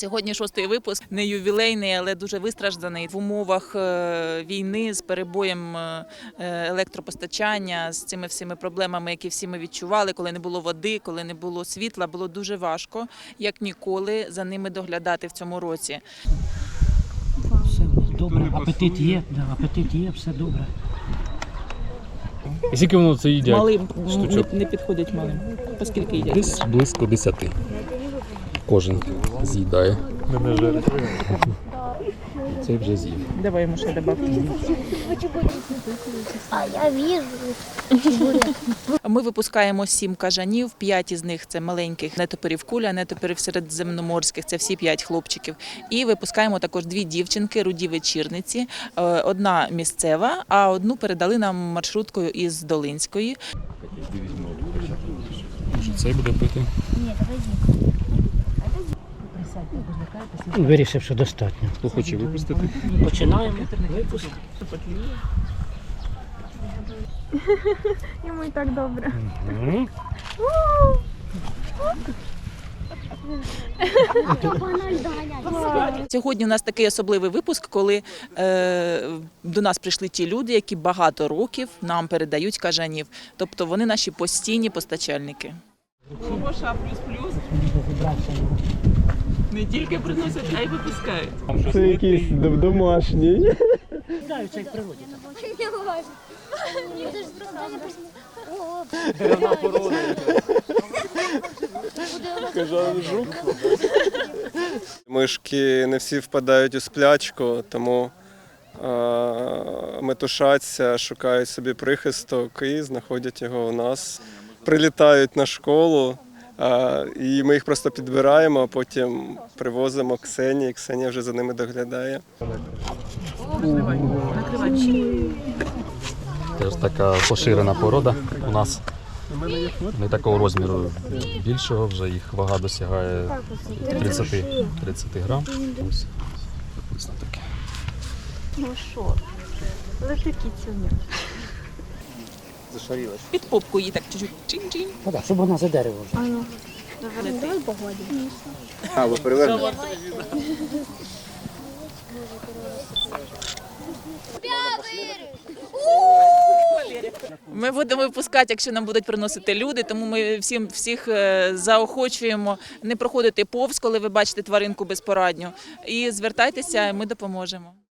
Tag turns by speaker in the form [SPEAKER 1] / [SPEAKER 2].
[SPEAKER 1] Сьогодні 6-й випуск, не ювілейний, але дуже вистражданий. В умовах війни з перебоєм електропостачання, з цими всіми проблемами, які всі ми відчували, коли не було води, коли не було світла, було дуже важко, як ніколи, за ними доглядати в цьому році.
[SPEAKER 2] Все добре, апетит є, все добре.
[SPEAKER 3] І скільки воно це їдять?
[SPEAKER 1] Малим
[SPEAKER 3] штучок?
[SPEAKER 1] не підходять малим. Оскільки їдять?
[SPEAKER 3] Десь близько 10. Кожен з'їдає. Цей вже з'їв.
[SPEAKER 1] Давай йому ще добавки.
[SPEAKER 4] А я вижу.
[SPEAKER 1] Ми випускаємо 7 кажанів, 5 із них – це маленьких нетоперів куля, нетоперів середземноморських, це всі 5 хлопчиків. І випускаємо також 2 дівчинки, руді вечірниці, одна місцева, а одну передали нам маршруткою із Долинської.
[SPEAKER 3] Може цей буде пити?
[SPEAKER 4] Ні, давай.
[SPEAKER 2] Вирішив, що достатньо.
[SPEAKER 3] Хто хоче випустити?
[SPEAKER 2] Починаємо випуск.
[SPEAKER 5] Йому і так добре.
[SPEAKER 1] Сьогодні у нас такий особливий випуск, коли до нас прийшли ті люди, які багато років нам передають кажанів. Тобто вони наші постійні постачальники. Гоша плюс-плюс не тільки приносять, а й випускають.
[SPEAKER 6] Це якийсь домашній.
[SPEAKER 2] Граються як в природі.
[SPEAKER 6] Кажан жук. Мишки не всі впадають у сплячку, тому метушаться, шукають собі прихисток і знаходять його у нас. Прилітають на школу, і ми їх просто підбираємо, а потім привозимо Ксенії. Ксенія вже за ними доглядає.
[SPEAKER 3] Теж така поширена порода у нас. Не такого розміру більшого, вже їх вага досягає 30 грам. Ось приблизно таке.
[SPEAKER 5] Ну що, лежить кіцюня.
[SPEAKER 1] Під попку її так чуть-чуть чин-чин.
[SPEAKER 2] Ну так, щоб вона за дерево вже.
[SPEAKER 5] Давай погладимо.
[SPEAKER 6] А, ви перевернете?
[SPEAKER 1] Ми будемо випускати, якщо нам будуть приносити люди, тому ми всіх заохочуємо не проходити повз, коли ви бачите тваринку безпорадню. І звертайтеся, ми допоможемо.